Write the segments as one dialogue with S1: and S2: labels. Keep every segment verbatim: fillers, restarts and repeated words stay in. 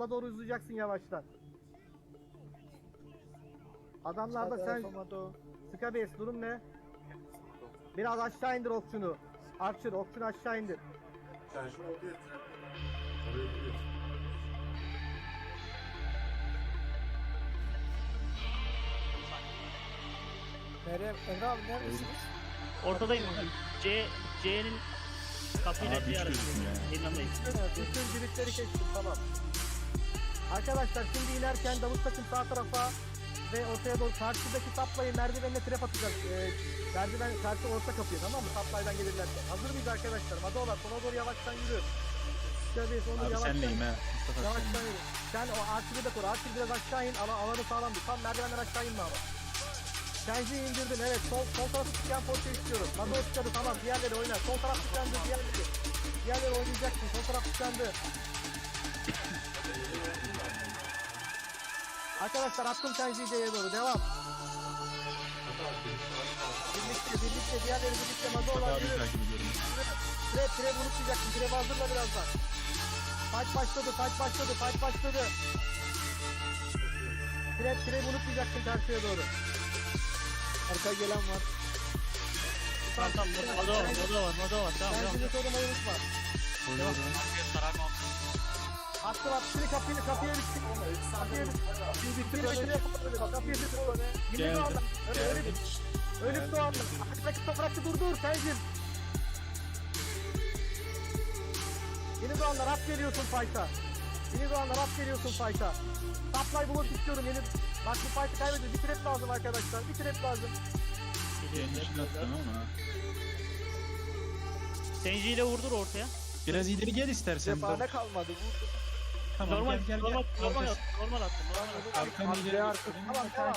S1: sola doğru uzayacaksın yavaştan. Adamlarda sen Skabes durum ne? Biraz aşağı indir okçunu. Archer okçunu aşağı indir.
S2: Sen şu ortaya tren. Oraya gidiyorsun.
S3: Meryem, Emre abi neredesiniz?
S4: Ortadayım. C C'nin kapıyla
S5: Abi
S4: C
S5: hiç
S4: arası.
S5: gözükmüyor ya.
S4: Yanındayım.
S1: Bütün birlikleri kestim tamam. Arkadaşlar şimdi inerken Davut takım sağ tarafa ve ortaya doğru karşıdaki saplayı merdivenle trap atacak. Ee, merdiven karşı orta kapıyı tamam mı? Saplaydan gelirlerken. Hazır mıyız arkadaşlar? Madola sola doğru yavaştan yürü. Şöyle onu
S5: Abi
S1: yavaştan
S5: senleyim ha. Mustafa
S1: Yavaştan
S5: senleyim.
S1: yürü. Sen o Archer'ı da koru. Archer biraz aşağı in. Ala, alanı sağlam dur. Tam merdivenden aşağı inme ama. Kenji'yi indirdin evet. Sol, sol tarafı çıkan portu istiyorum. Madola çıkadı tamam. Diğerleri oynar. Sol taraf tıkandı. Diğerleri. Diğerleri oynayacaksın. Sol taraf tıkandı. Arkadaşlar attım Kenji'yi C'ye doğru. Devam. Birlikte birlikte diğerleri birlikte Madola
S5: Abi
S1: yürü.
S5: takip ediyorum.
S1: Trap trap unutmayacaksın. Trap hazırla birazdan. Fight başladı. Fight başladı. Fight başladı. Trap trap unutmayacaksın karşıya doğru.
S3: Arka gelen var.
S4: Tamam tamam. Moda var. Moda var. Moda var. Tamam tamam.
S1: Kendini korumayı unutma. Attım attım. Şimdi kapıyı kapıya bitsin. Kapıya bitsin. Bitir bitir yapalım. Kapıya bitir. Yine
S5: Geldim.
S1: doğanda. Öyle öyle bir. Öyle bir doğanda. Arkadaki toprakçı dur dur Sencim. Yeni doğanlar at geliyorsun fight'a. Yeni doğanlar at geliyorsun fight'a. Supply blok istiyorum yeni. Bak bu fight'ı kaybediyor. Bir trap lazım arkadaşlar. Bir trap lazım.
S5: Kendi işini attım ama.
S4: Senji ile vurdur ortaya.
S5: Biraz ileri gel istersen.
S3: Cephane kalmadı. Vurdu.
S5: Tamam
S4: Normal
S5: gel gel gel.
S4: normal normal
S5: Arkası-
S4: attım. Normal attım. Normal attım.
S5: Arkanı ileri
S3: Arkaya
S5: göstereyim.
S1: Tamam tamam.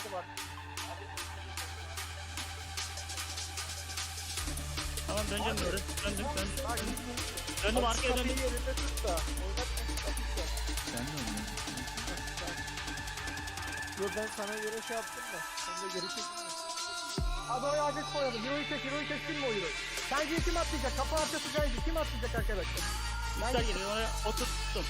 S4: Tamam döneceğim doğru. Döndüm döndüm.
S1: Bak,
S4: Döndüm arkaya
S3: Kapıyı
S4: döndüm.
S3: yerinde tut da. Oynatma. Kapıyı.
S5: Sen de oynuyorsun.
S3: Yo ben sana göre şey yaptım da. Sen de geri çekilme.
S1: Hadi oraya adet koyalım. Hero'yu çek, Hero'yu çeksin mi o Hero'yu? Sence kim atlayacak? Kapı arkası Sence kim atlayacak arkadaşlar?
S4: Yüksel geliyor. Oraya oturttum.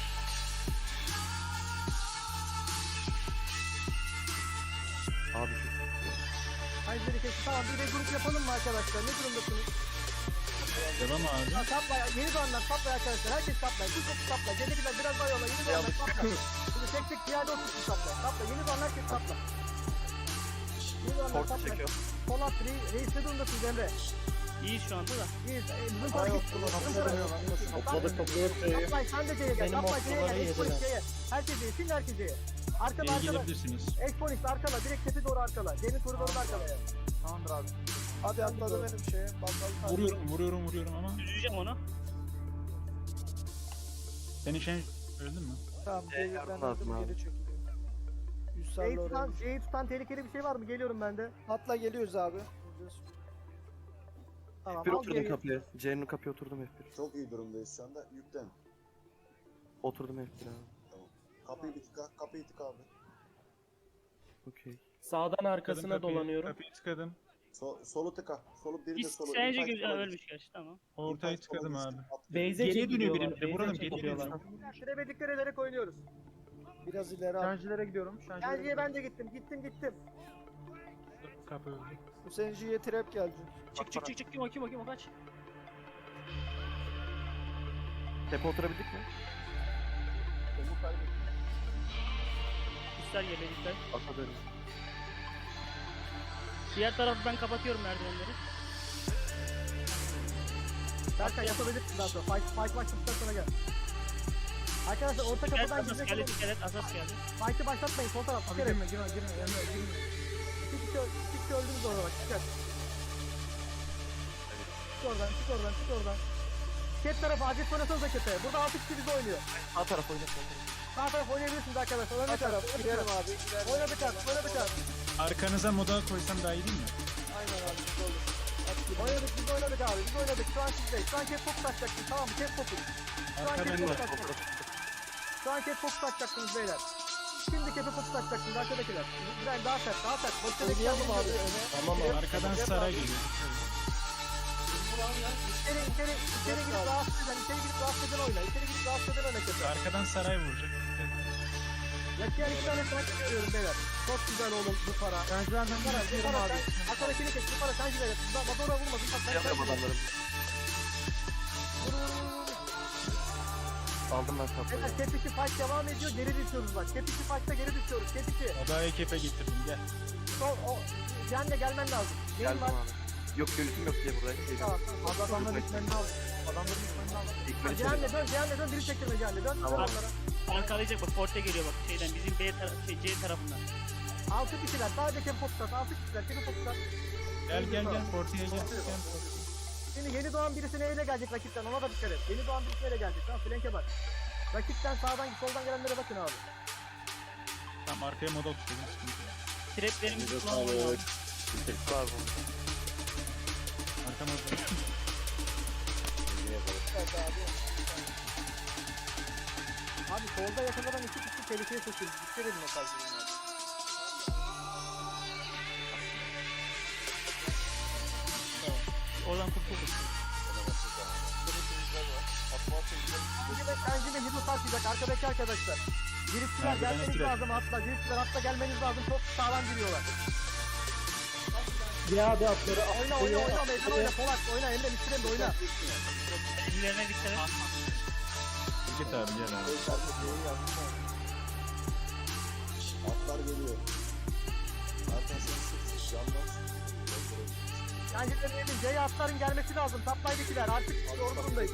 S6: Abi şu
S1: Sence kesin. Tamam bir de grup yapalım mı arkadaşlar? Ne durumdasınız?
S5: Devam abi.
S1: Ha, sapla, yeni doğanlar sapla arkadaşlar. Herkes sapla. Bu topu sapla. Gelebilen biraz daha yola. Yeni doğanlar sapla. Şimdi tek tek piyade otursun sapla. Sapla. Yeni doğanlar herkes sapla. Yeni doğanlar
S6: Tortu
S1: sapla.
S6: çekiyor.
S1: Polat, Reis, Reis ne durumdasınız Emre?
S4: İyi şu anda da.
S1: İyi. E, bizim tarafı bizim tarafı.
S6: topladık topladık şeyi.
S1: Sapla sen de C'ye gel.
S3: Benim
S1: Sapla C'ye
S3: okçuları
S1: gel. Exponix
S3: yediler.
S1: C'ye. Herkes C'ye. Şimdi herkes C'ye. Arkada
S5: İyi
S1: arkada.
S5: gelebilirsiniz.
S1: Exponix arkada. Direkt tepe doğru arkada. C'nin koridorun arkada yani. Tamamdır abi.
S3: Hadi atladı benim şeye. Bakalım.
S5: Vuruyorum vuruyorum vuruyorum ama.
S4: Üzeceğim onu.
S5: Senin şey öldün mü?
S3: Tamam.
S6: Ee,
S3: Geri ben
S6: yardım lazım
S3: aldım
S6: abi.
S3: geri çekiliyor. yüz
S1: C'yi
S3: sarılı oraya.
S1: tutan, C'yi tutan tehlikeli bir şey var mı? Geliyorum ben de.
S3: Atla geliyoruz abi.
S1: Tamam.
S6: Bir
S1: al
S6: oturdum
S1: C'yi.
S6: kapıya. C'nin kapıya oturdum F bir.
S2: Çok iyi durumdayız şu anda. Yüklen.
S6: Oturdum F bir abi.
S2: Tamam. Kapıyı bir tıka. Kapıyı tıka abi.
S6: Okey.
S7: Sağdan arkasına
S5: Kapıyı-
S7: dolanıyorum.
S5: Kapıyı tıkadım.
S2: So, solu tıka. Solu biri de
S4: Biz
S2: solu.
S4: Senji
S2: İnfaz
S4: güzel
S2: sola
S4: ölmüş
S2: geçti.
S4: gerçi tamam.
S5: Ortayı
S2: İnfaz sola
S5: tıkadım
S2: geçti.
S5: abi.
S2: At-
S7: Base'e
S5: Geriye dönüyor
S7: çekiliyorlar.
S5: benim de. Vuralım
S7: Base'e
S5: geriye
S7: çekiliyorlar.
S5: dönüyor.
S1: Şuraya birlikte ederek oynuyoruz.
S3: Biraz ileri al.
S1: Şarjilere gidiyorum. Şarjilere ben de gittim. Gittim gittim.
S5: Kapı öldü.
S3: Bu Senji'ye trap geldi.
S4: Çık çık çık çık. Kim o kim o kim o kaç.
S6: Tepe oturabildik mi?
S2: Onu kaybettim.
S4: Yüksel geliyor Yüksel.
S6: Ata dönüyor.
S4: Diğer tarafı ben kapatıyorum merdivenleri.
S1: Berkay yapabilirsin daha sonra. Fight, fight başladıktan sonra gel. Arkadaşlar orta
S4: Dikkat et
S1: kapıdan
S4: asas
S1: gidecek
S4: geldi.
S1: olun.
S4: Dikkat et asas geldi.
S1: Fight'ı başlatmayın. Sol taraf. Abi girme girme girme. Girme girme. İki kişi, iki kişi öldünüz orada bak. Dikkat. Çık oradan çık oradan çık oradan. Ket tarafı acil oynasanıza kete. Burada altı kişi bizi oynuyor.
S6: Sağ taraf oyna. Sağ taraf.
S1: Sağ taraf oynayabilirsiniz arkadaşlar. Oyna
S3: Sağ
S1: bir taraf.
S3: taraf. Girelim abi. Girelim.
S1: Oyna bir taraf. Oyna bir taraf.
S5: Arkanıza moda koysam daha iyi değil mi?
S3: Aynen abi. Olur. At gibi.
S1: Oynadık biz oynadık abi. Biz oynadık. Şu an sizdeyiz. Şu an ket fokus atacaksınız. Tamam mı? Ket fokus. Şu an
S5: Arka
S1: ket
S5: bende.
S1: fokus atacaksınız. Şu an ket fokus atacaksınız beyler. Şimdi kepe fokus atacaksınız arkadakiler. Güzel daha sert daha sert. Boşta
S3: Oynayalım abi öne.
S7: Tamam abi.
S5: Arkadan saray geliyor.
S1: İçeri içeri içeri girip rahatsız eden, içeri girip rahatsız eden oyna. İçeri girip rahatsız eden oyna kepe.
S5: Arkadan saray vuracak.
S1: Yakıyan iki tane tank görüyorum beyler. Çok güzel oğlum bu para.
S5: Merdiven'den
S1: Bu para, bu
S5: gidiyorum
S1: para.
S5: abi.
S1: sen- Arkadakini kes, bu para sen gidelim. Vadora vurmadın. Bak sen
S6: Yapıyorum
S1: sen
S6: adamlarım.
S1: Vur vur vur vur.
S6: Aldım ben kapıyı.
S1: Beyler tepki fight devam ediyor. Geri düşüyoruz bak. Tepki fight'ta geri düşüyoruz. Tepki.
S5: Oda ekipe getirdim gel.
S1: Sol o. Can'le gelmen lazım. Neyin
S6: Geldim
S1: var?
S6: abi. Yok yönetim yok diye buradayım.
S1: Tamam.
S6: Geliyorum.
S1: Az adamların ikmenini al. Adamların ikmenini al.
S6: İkmeni
S1: Cihan'le
S6: çekelim.
S1: dön, Cihan'le dön. Biri çektirme Cihan'le dön.
S6: Tamam.
S1: Onlara.
S4: Arkalayacak bak Forte geliyor bak şeyden bizim B taraf şey C tarafından.
S1: Altı kişiler. Sadece tempo tutar. Altı kişiler. Tempo tutar.
S5: Gel gel gel Forti'ye gel. Gel.
S1: Şimdi yeni doğan birisi neyle gelecek rakipten ona da dikkat et. Yeni doğan birisi neyle gelecek? Tamam flanke bak. Rakipten sağdan soldan gelenlere bakın abi.
S5: Tamam arkaya moda tutuyorum. Sıkıntı yok.
S4: Traplerimizi kullanmıyor.
S6: Var bu.
S5: Arka moda.
S3: Evet abi.
S1: Abi solda yakalanan iki kişi tehlikeye sokuyor. Dikkat edin o tarz durumlarda.
S4: Oradan kurtulduk.
S1: Şimdi de Kenji ve Hidu tartacak arkadaki arkadaşlar. Girişçiler
S5: Merdivene
S1: gelmeniz
S5: sürekli.
S1: lazım atla. Girişçiler atla gelmeniz lazım. Çok sağlam giriyorlar.
S3: Ya abi atları
S1: Oyna oyna oyna meydan oyna. Polak oyna. Emre Mistrem de oyna.
S4: Ellerine dikkat et.
S5: Git abi gel abi.
S2: Atlar geliyor. Zaten sen sık yanmaz.
S1: Kenji de dedim. C'ye atların gelmesi lazım. Taplaydakiler artık zor durumdayız.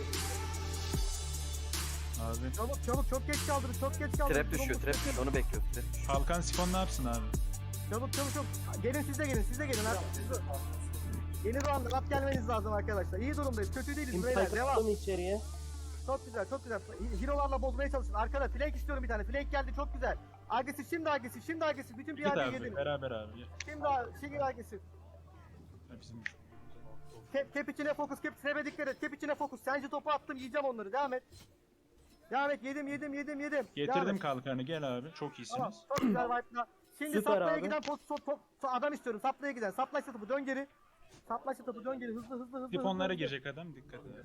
S5: Abi.
S1: Çabuk çabuk çok geç kaldırın. Çok geç kaldırın.
S6: Trap düşüyor.
S1: Durumumuz
S6: Trap
S1: çok
S6: düşüyor. Onu bekliyoruz. Trap düşüyor.
S5: Falkan Sifon ne yapsın abi?
S1: Çabuk çabuk çabuk. Gelin siz de gelin, siz de gelin artık. Siz de- Yeni doğanda rap gelmeniz lazım arkadaşlar. İyi durumdayız, kötü değiliz beyler. Devam.
S3: içeriye.
S1: Çok güzel, çok güzel. Hero'larla bozmaya çalışın. Arkada flank istiyorum bir tane. Flank geldi, çok güzel. Agresif, şimdi agresif, şimdi agresif. Bütün
S5: Git
S1: piyadeyi
S5: abi
S1: yedin.
S5: beraber abi gel.
S1: Şimdi, a- şimdi agresif.
S5: Ya Bizim
S1: Kep, kep içine fokus, kep trebe dikkat et. Kep içine fokus. Sence topu attım, yiyeceğim onları. Devam et. Devam et, yedim, yedim, yedim, yedim. Devam
S5: getirdim
S1: et.
S5: kalkanı gel abi. Çok
S1: Tamam,
S5: iyisiniz.
S1: çok güzel wipe'la. Şimdi
S3: Süper
S1: saplaya
S3: abi.
S1: giden pot, top, top, adam istiyorum. Saplaya giden. Saplaysa topu dön geri. Saplaysa topu dön geri. Hızlı, hızlı, hızlı.
S5: Sifonlara
S1: hızlı.
S5: girecek adam dikkat edin.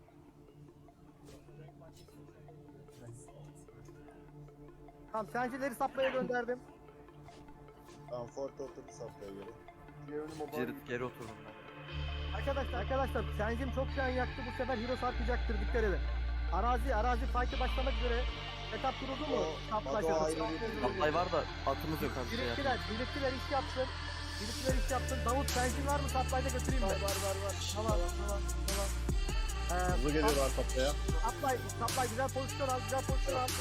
S1: Tamam, sencileri saplaya gönderdim.
S2: Tamam Fort oturdu safhaya göre.
S6: Geri, geri oturdum ben.
S1: Arkadaşlar, arkadaşlar sencim çok can yaktı. Bu sefer hero sarkacaktır. Dikkat edin. Arazi, arazi fight'e başlamak üzere. Etap kuruldu mu?
S2: O,
S1: Saplaşa.
S2: Mado ayrı bir-
S6: Atlay var da atımız yok abi. Şey
S1: Biriktiler,
S6: yapmayın.
S1: biriktiler iş yapsın. Biriktiler iş yapsın. Davut sencin var mı? Saplayda götüreyim mi? Var, var, var, var. Tamam, tamam, tamam. Ee,
S2: Hızlı geliyorlar safhaya.
S1: Saplay, saplay güzel pozisyon al, güzel pozisyon al.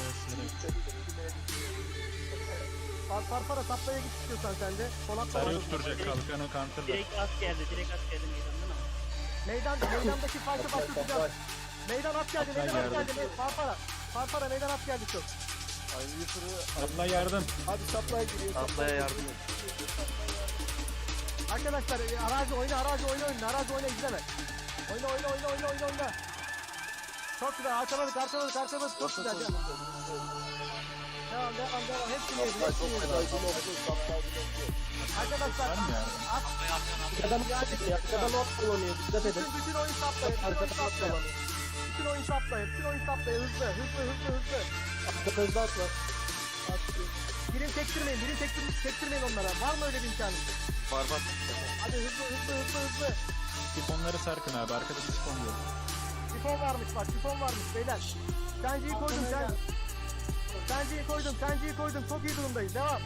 S1: Far, farfara saplaya git istiyorsan sen de. Polat da var.
S5: Sarı tutturacak kalkanı counter'da.
S4: Direkt at geldi, direkt at geldi meydandan ama.
S1: Meydan, meydandaki fight'ı başlatacağız. Meydan at geldi, meydan at geldi. Me- Farfara, farfara meydan at geldi çok.
S5: Abla yardım.
S3: Abi saplaya giriyor.
S6: Atlaya yardım et.
S1: Arkadaşlar e, arazi oyna, arazi oyna oyna, arazi oyna izleme. Oyna, oyna, oyna, oyna, oyna, oyna. Çok güzel, arkaladık, arkaladık, arkaladık. Çok güzel. Devam, devam, devam, devam. Hepsini yedin, hepsini yedin. Arkadaşlar,
S5: Var mı yani?
S1: at,
S3: Adam ya. Adam not kullanıyor. Dikkat edin.
S1: bütün, bütün oyun saplayın, bütün oyun
S3: Arkada not
S1: saplayın.
S3: kullanıyor.
S1: Bütün oyun saplayın, bütün oyun saplayın. Hızlı, hızlı, hızlı, hızlı.
S3: Arkada at var.
S1: Birim çektirmeyin, birim çektir, çektirmeyin onlara. Var mı öyle bir imkanı?
S6: Var var.
S1: Hadi hızlı, hızlı, hızlı, hızlı.
S5: Sifonları sarkın abi. Arkada bir sifon yok.
S1: Sifon varmış bak, sifon varmış beyler. Senciyi koydum, sen. Senciyi koydum, senciyi koydum. Çok iyi durumdayız. Devam.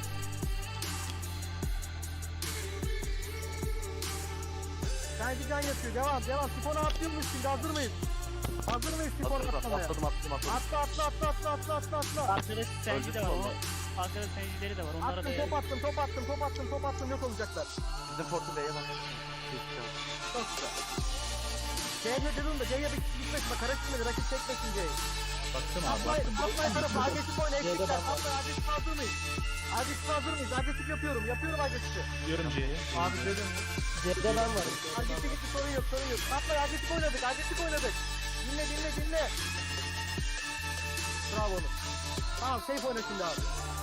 S1: Senci can yatıyor. Devam, devam. Sifona atlıyor muyuz şimdi? Hazır mıyız? Hazır mıyız sifona
S6: Atladım
S1: atlamaya?
S6: atladım atladım. atladım.
S1: Atla, atla, atla, atla, atla, atla, atla.
S4: Arkada senci de var.
S6: Öldürdüm
S4: O, arkada sencileri de var. Onlara da
S1: Attım, top attım, top attım, top attım, top attım. Yok olacaklar.
S6: Bizim Fort'u B'ye bak.
S1: Çok güzel. C'ye dedim de C'ye bir gitmesin. Bak karıştırmadı. Rakip çekmesin C'yi.
S5: Baktım abi
S1: Atlay,
S5: baktım.
S1: atlay tarafı. Agresif oyna. Eksikler. Atlay, agresif hazır mıyız? Agresif hazır mıyız? Agresif yapıyorum. Yapıyorum agresifi.
S5: Diyorum C'ye.
S1: Abi dedim.
S3: C'de ben varım.
S1: Agresif gitti, sorun yok, sorun yok. Atlay, agresif oynadık, agresif oynadık. Dinle, dinle, dinle. Bravo oğlum. Tamam, safe oyna şimdi abi.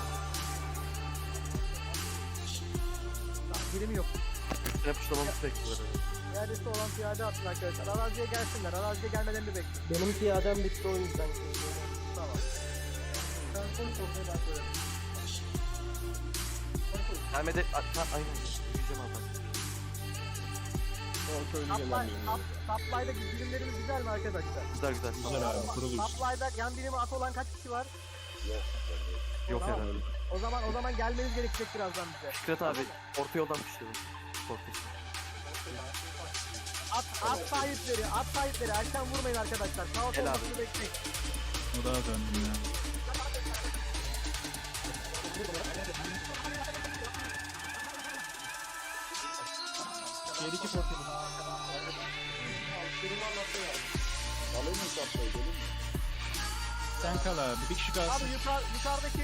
S1: Tamam, birimi yok.
S6: Trap tuşlamamızı bekliyorlar.
S1: Piyadesi olan piyade atın arkadaşlar. Araziye gelsinler. Araziye gelmelerini bekliyorum.
S3: Benim piyadem bitti o yüzden.
S1: Tamam. Sen konuş ortaya ben söylerim.
S6: Ahmet'e... Ha, aynen. Yürüyeceğim abi.
S1: Supply, sup, supply'da birimlerimiz güzel mi arkadaşlar?
S6: Güzel güzel.
S5: Güzel abi kurulur.
S1: Supply'da yan birimi at olan kaç kişi var?
S6: Yok
S1: Tamam.
S6: herhalde.
S1: O zaman o zaman gelmeniz gerekecek birazdan bize.
S6: Fikret abi orta yoldan pişirelim. Korkmuş.
S1: At, at sahipleri, at sahipleri erken vurmayın arkadaşlar. Kaos
S6: Gel abi.
S1: olmasını bekleyin.
S5: O daha döndüm ya.
S3: Geri iki portu.
S5: Sen kal abi. Bir kişi kalsın.
S1: Abi yukarı, yukarıdaki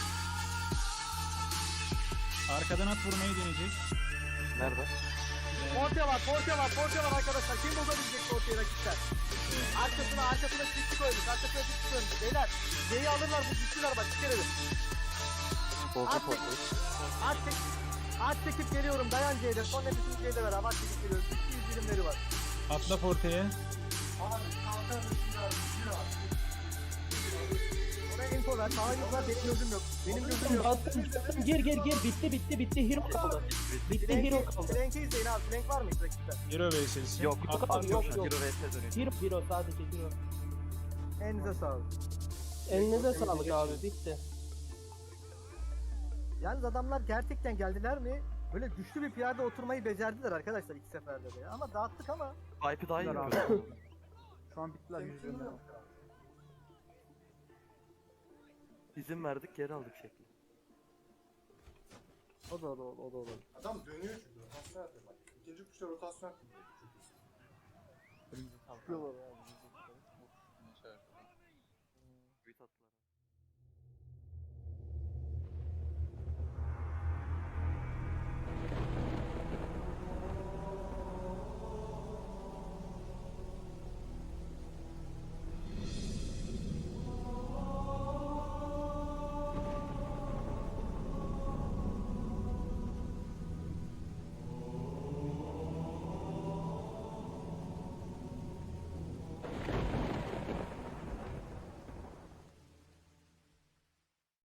S5: Arkadan at vurmayı deneyecek.
S6: Nerede?
S1: Porte var, Porte var, Porte var arkadaşlar. Kim bozabilecek Porte'yi rakipler? Arkasına, arkasına çiftlik koymuş, arkasına çiftlik koymuş. Beyler, C'yi alırlar, bu güçlüler bak, dikkat edin.
S6: Bozdu
S1: At,
S6: portu.
S1: at, çek, at çekip geliyorum, dayan C'de. Son nefesini C'de ver, abi, at çekip geliyoruz. iki yüz birimleri var.
S5: Atla portaya.
S1: Oraya info ver, sağ var, benim gözüm yok. Benim gözüm yok.
S3: Bastım, bastım. Gir gir gir. Bitti bitti bitti. Hero kaldı. Bitti hero kaldı.
S1: Flank'i izleyin abi, flank var mı hiç rakipte?
S5: Hero vs'si.
S6: Yok.
S3: Yok
S6: At
S3: abi, yok, yok.
S6: Hero vs dönüyor.
S3: Hero hero sadece hero.
S1: Elinize sağlık.
S3: Elinize sağlık abi. Bitti.
S1: Yalnız adamlar gerçekten geldiler mi? Böyle güçlü bir piyade oturmayı becerdiler arkadaşlar iki seferde de ya. Ama dağıttık ama.
S6: Vibe'ı daha iyi
S1: Güzel
S6: yapıyor.
S1: abi. Şu an bittiler yüzünden.
S6: İzin verdik geri aldık şekli.
S1: O da o da o da olur.
S2: Adam dönüyor çünkü rotasyon yapıyor bak. İkinci kuşta rotasyon yapıyor.
S1: Çıkıyorlar ya.
S6: Büyük attılar.